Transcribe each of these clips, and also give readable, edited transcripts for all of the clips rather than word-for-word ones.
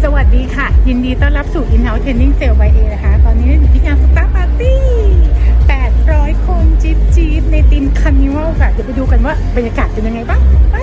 สวัสดีค่ะยินดีต้อนรับสู่ In-house Training Sale by A นะคะตอนนี้อยู่ที่งานสตาร์ปาร์ตี้800 คนจี๊บในทีมคาร์นิวัลค่ะเดี๋ยวไปดูกันว่าบรรยากาศเป็นยังไงบ้างไป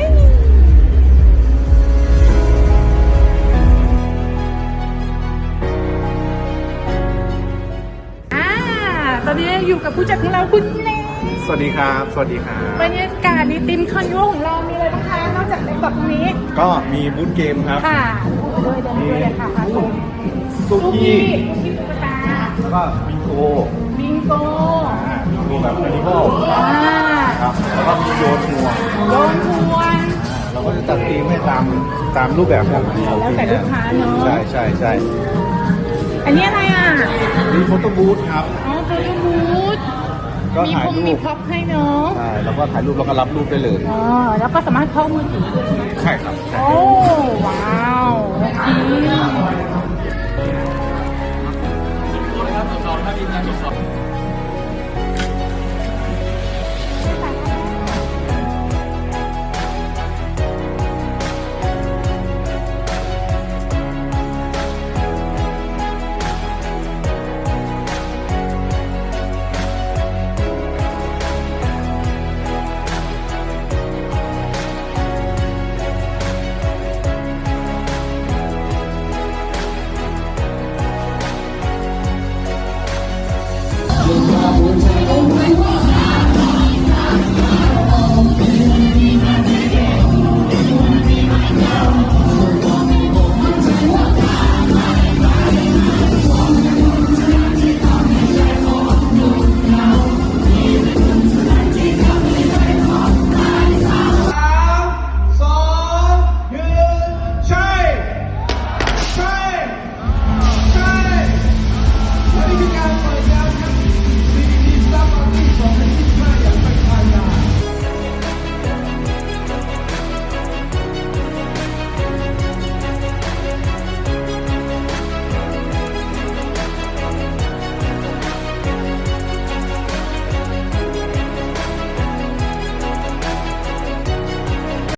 ตอนนี้อยู่กับผู้จัดของเราคุณเล่สวัสดีครับ สวัสดีครับบรรยากาศในทีมคาร์นิวัลของเรามีอะไรบ้างคะนอกจากในแบบนี้ก็มีบูธเกมครับค่ะด้วยเลยค่ะตุ๊กกี้ตุ๊กตาแล้วก็บิงโกบิงโกแบบคาร์นิวัลครับแล้วก็มีโยนห่วงเราก็จะจัดทีมให้ตามรูปแบบของเราแล้วแต่ลูกค้าเนาะใช่อันนี้อะไรอ่ะมีโฟโต้บูธครับอ๋อโฟโต้บูธก็ถ่ายรูปมีพ็อปให้เนาะใช่แล้วก็ถ่ายรูปแล้วก็รับรูปได้เลยอ๋อแล้วก็สามารถเข้ามือถือใช่ครับโอ้ว้าว